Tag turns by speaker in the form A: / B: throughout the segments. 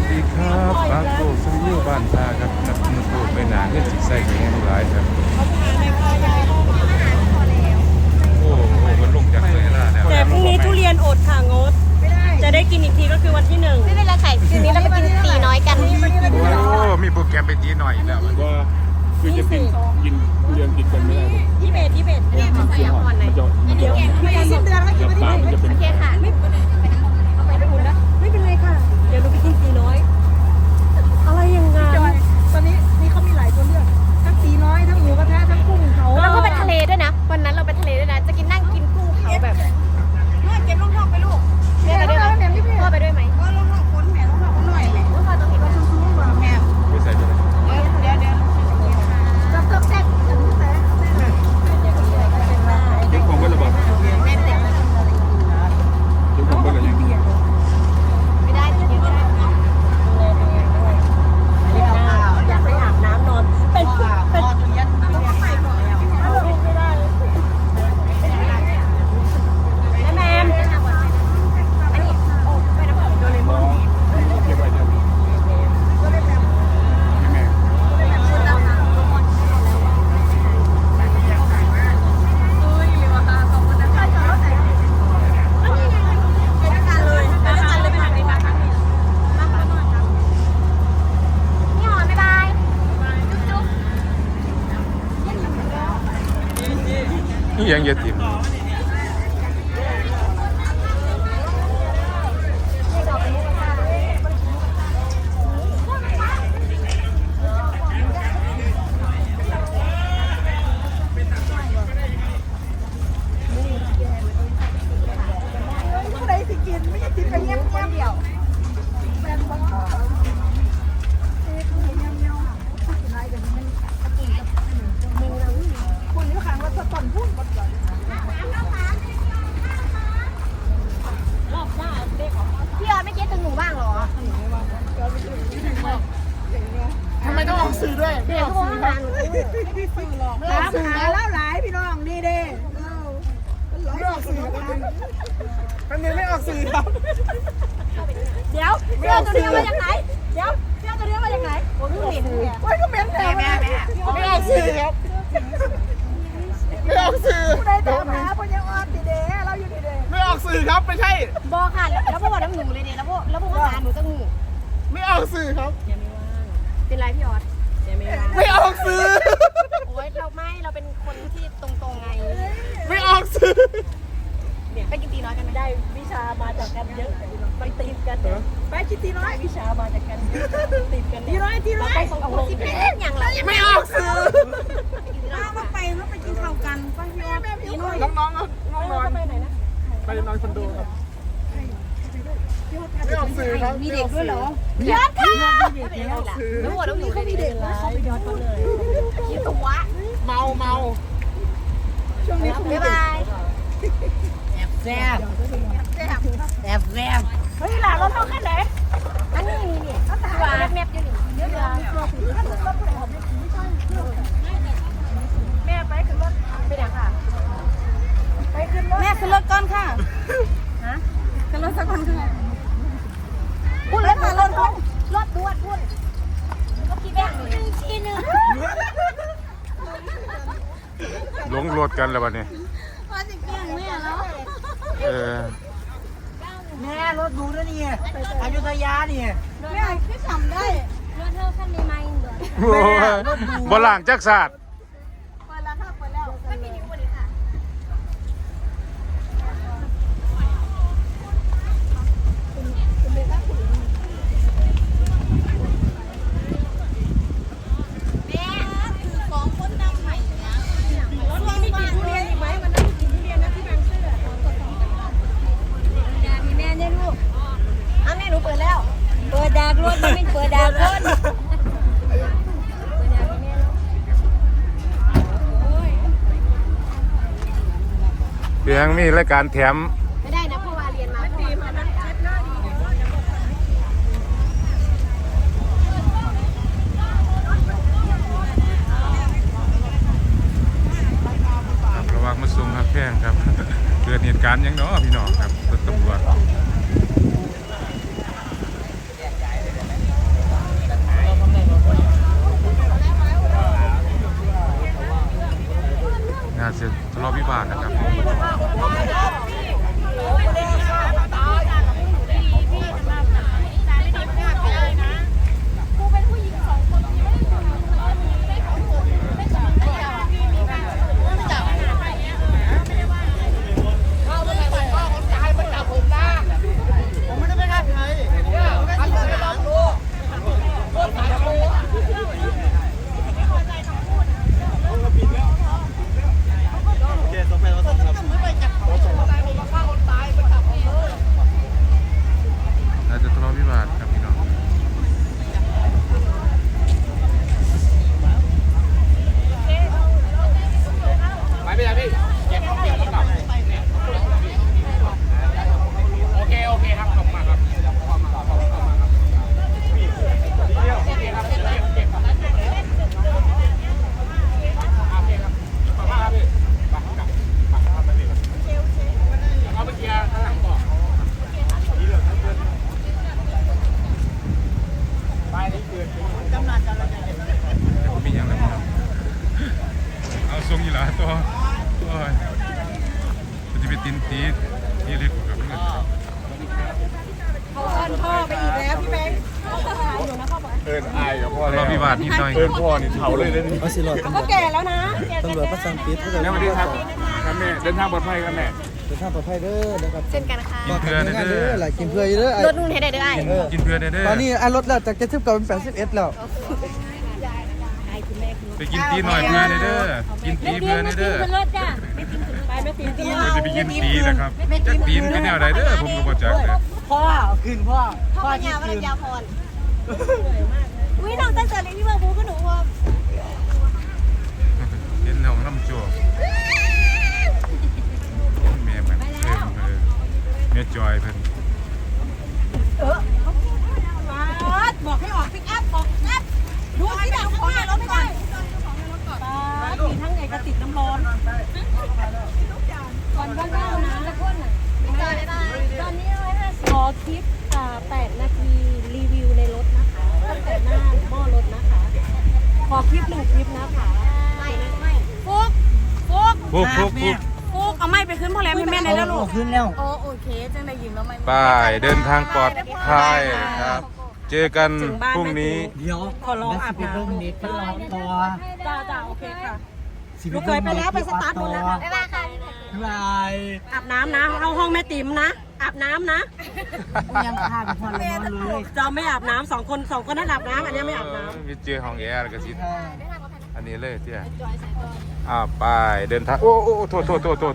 A: ดีครับปาโกสุริโยบ้านตาครับนับมือโตไปหนาเงินสิใส่ไปแห้งหลายครับโอ้โหมันลงจากเลยล่ะเนี่ย
B: แต่พรุ่งนี้ทุเรียนอดค่ะงดจะได้กินอีกทีก็คือวันที่1
C: ไม่เป็นไรไข่คืนนี้เราไปกินตีน้อยกัน
A: โอ้มีโปรแกรมไปตีหน่อยอีกแล้ว
D: ว่าคือจะกินทุเรียนติดกันไม่ได้เลย
B: ที่เบส
D: มันจะมันจะ
B: สิ้นเดือนแล้ว
D: ปากมันจะเป็น
C: โอเคค่ะไม่เป็นไรเอาไปอุ่นนะ
B: ไม่เป็นไรค่ะเดี๋ยวหนูไปกินตีน้อยอะไรอย่างงั้น
E: ตอนนี้นี่เขามีหลายตัวเลือกทั้งตีน้อยทั้งหมูกระทะทั้งกุ้งเขา
C: แล้วก็ไปทะเลด้วยนะวันนั้นเราไปทะเลด้วยนะจะกินนั่งกินกุ้งเขาแบบ
E: เก็บลงท้องไปลูก
C: แม่ไปด้วยไหมพ่อไปด้วยไหม
E: ก็ลงท้องคนแม่ลงท้องคนหน่อยแม่
C: พ่อต้องเห็นว่า
E: ชุ่มๆกว่าแม่
A: ไม่ใส่ไปเลย
E: เดี๋ยวจับแซ่บจับแซ่บ
D: เก็บของไว้ระบาดเก็บของไว้ระยัง
C: ไม่ได้กินเยอะไม่ได้
B: อยากไปอาบน้ำนอนเป็นแม่แมม
C: อันนี้โอ้ไปน้ำผึ้งโดเรมอน
D: เก็บไว้เดี๋ยวแม่
C: พี่หอมบ๊ายบายจุ๊บ
A: นี่ยังเยอะติม
E: ผู้ใดสิกินไม่ใช่กินไปเยี่ยมเดียวแฟนบอกคุณอยู่ข้างว่าจะต้นพุ่นก่อน
C: พี่ออดไม่คิดถึงหนูบ้างเหรอ
E: ทำไมต้องออกสื่อด้วย
C: เดี๋ยวโทรหาหนู
E: ไม่ออกสื่อแล้วหลายพี่น้องนี่เด้ไม่ออกสื่อมันยังไม่ออกสื่อครับ
B: เดี๋ยวเสื้อตัวเดียวมาจากไหนเดี๋ยวเสื้อตัวเดียวมาจากไหน
C: ผมเพิ่งเห็นเนี่ย
E: โอ้ยก็เหม็นแท้แม่ไม่ออกสื่อครับไม่ออกสื่อผู้ใดตามหาพญาออดดีเด้เราอยู่ดีเด้ไม่ออกสื่อครับไม่ใช่
C: บอกค่ะแล้วพวกบอกน้ำหนูเลยเนี่ยแล้วพวกมาหาหนูจะงู
E: ไม่ออกสื่อครับ
C: เป็นไรพี่ออส
E: ไม่ออกสื่อ
C: โอ๊ยเราเป็นคนที่ตรงๆไง
E: ไม่ออกสื่อ
C: ไปกินตีน้อยกันไหม
B: ได้วิชามาจากกันเยอะมันติดกันไปคิดตีน้อยวิชามาจากกันติดกัน
E: ทีน้อยทีน้อย
C: ต้องเอาลงที่เป็นอย่างเรา
E: ไม่ออกสื่อ
C: มาไปแล้วไปกินข้าวกันไปพี่ออสตีน้อย
E: น้องๆไปไหนนะไปนอนคอนโดครับไม่ออกสื่อครับมีเด็กด้วยเหรอ
C: พี่ออสค่ะแล้วหัวน้ำหนูเขามีเด็กนะ
B: ยอดเขาเลย
C: คิดตัว
E: เมาช่วงนี้
C: บ๊ายบาย
E: แซ่บ
B: เฮ้ยหลานรถเท่าขั้นไหน
C: อันนี้นี่ตัวแมบอยู่นี่เดี๋ยว
B: แม่ไปขึ้นรถ
C: ไปไหนค่ะ
B: ไปขึ้นรถแม่ขึ้นรถก่อนค่ะฮะขึ้นรถสักคนค่ะ
C: พูดแล้วค่ะรถด่วนพูดก็คิดแบบทีนึง
A: หลงรถกันแล้ววันนี้
C: ว่าจะเกี่ยงแม่แล้ว
E: แม่รถดูด้วยนี่อยุธยานี่
C: แม่คือจำได้รถเท่าขั้นในไม้เดือด
A: โอ้ยบ่ล่างจักศาสตร์
C: เปิดแล้วค่ะเปิดแล้วไม่มีนิ้วเลยค่ะ แม่คือของคนนำใหม่นะ
B: รถมีกินทุเรียนอีกไหมมันต้องกินทุเรียนนะที่บางซื่อ
C: อย่ามีแม่เนี่ยลูกอ้าวแม่หนูเปิดแล้ว
B: เปิดดากรถมันไม่เปิดดากรถ
A: เพียงมีรายการแถม
C: ไม่ได้นะเพราะว่าเรียนมาดีมานะ
A: ระวังมาส่งครับแพงครับ เกิดเหตุการณ์หยังเนาะพี่น้องครับรถตำรวจ
D: อิญอายกับพ่อ
A: ร
D: แล้
A: อ
D: ว
A: วิวาทนิดหน่อย
D: เอิญพ่อนี่เผาเลยนะนี่
E: เอาสิรอดตำร
B: ก็
E: วจ
B: แก่แล้วนะ
E: ตำรวจประสังปิด
D: แม่สวัสดีครับครับแม่เดินทางปลอดภัยครับแม่
E: เดินทางปลอดภัยเด้อนะครับ
C: เช่นกันค่ะ
E: ปลอดภัยงานเด้อหลายกินเพื่อเด้อ
C: รถนู่นให้ได้เด้อไอ้
A: กินเพื่อนเด้อ
E: ตอนนี้ลดแล้วจาก70กลายเป็น81แล้ว
A: ไปกินตีหน่อยเพื่อนเด้อกินตีเพื่อนเด้อ
C: ขึ้นรถจ้ะ
B: ไปไม่ตีนตี
A: เราจะไปกินตีนะครับจักตีนเป็นแนวใดเด้อผมก็บ่จักเลย
E: พ่อขึ้นพ่อ
C: พ่อยาวมันยาวพรอุ้ยน้องตั้งแต่เล็กที่เมืองบูก็หนูพอ
A: เห็นน้องน้ำโจกแม่แบบแม่จอยเพิ่น
B: บอกให้ออกปิกอัพบอกอัพดูที่ดังของรถก่อนมีทั้งไอ้กระติกน้ำร้อน
C: ก่อนก็เข้านะแล้วพ่นอ่ะตอนนี้150ขอคลิป8 นาทีรีวิวในรถนะคะตั้งแต่หน้าหม้อรถนะคะ ขอคลิป1 คลิปนะคะไม่ฟุก
A: ฟุก
B: ฟุกเอาไม้ไปขึ้นพ่อแรมให้แม่ในแล้วลูก
E: ขึ้นแล้ว
C: โอเคจังได้ยินแล้วไม่
A: ไปเดินทางปลอดภัยครับ เจอกันพรุ่งนี้
E: เดี๋ยว
B: ขอร้องอาบน้
E: เน็ตรอต่อ
B: ำจ้าโอเคค่ะ
E: สิ
B: ลูกเคยไปแล้วไปสตาร์ทรถแล้ว
C: บ๊ายบายค่ะ
E: บาย
B: อาบน้ำนะเข้าห้องแม่ติ๋มนะอาบน้ำนะ
E: ยังพาไปพอแล้วเลย
B: จะไม่อาบน้ำ2 คนนั่นอาบน้ำอันนี้ไม่อาบน้ำ
A: มีเจอห้องแอร์แล้วก็สิอันนี้เลยเตี้ยไปเดินทางโอ้โทษ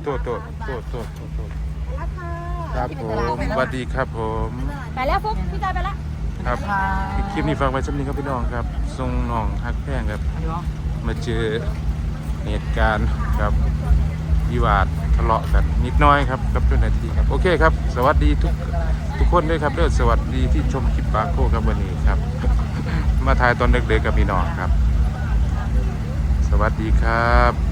A: ครับผมสวัสดีครับผม
C: ไปแล้วฟุกพี่จอยไปแล้ว
A: ครับคลิปนี้ฝากไว้สักนิดครับพี่น้องครับทรงน้องฮักแพงครับมาเจอเหตุการณ์ครับวิวาททะเลาะกันนิดน้อยครับกับเจ้าหน้าที่ครับโอเคครับสวัสดีทุกคนด้วยครับเด้อสวัสดีที่ชมคลิปปาโก้ครับวันนี้ครับ มาถ่ายตอนเด็กๆกับพี่น้องครับ สวัสดีครับ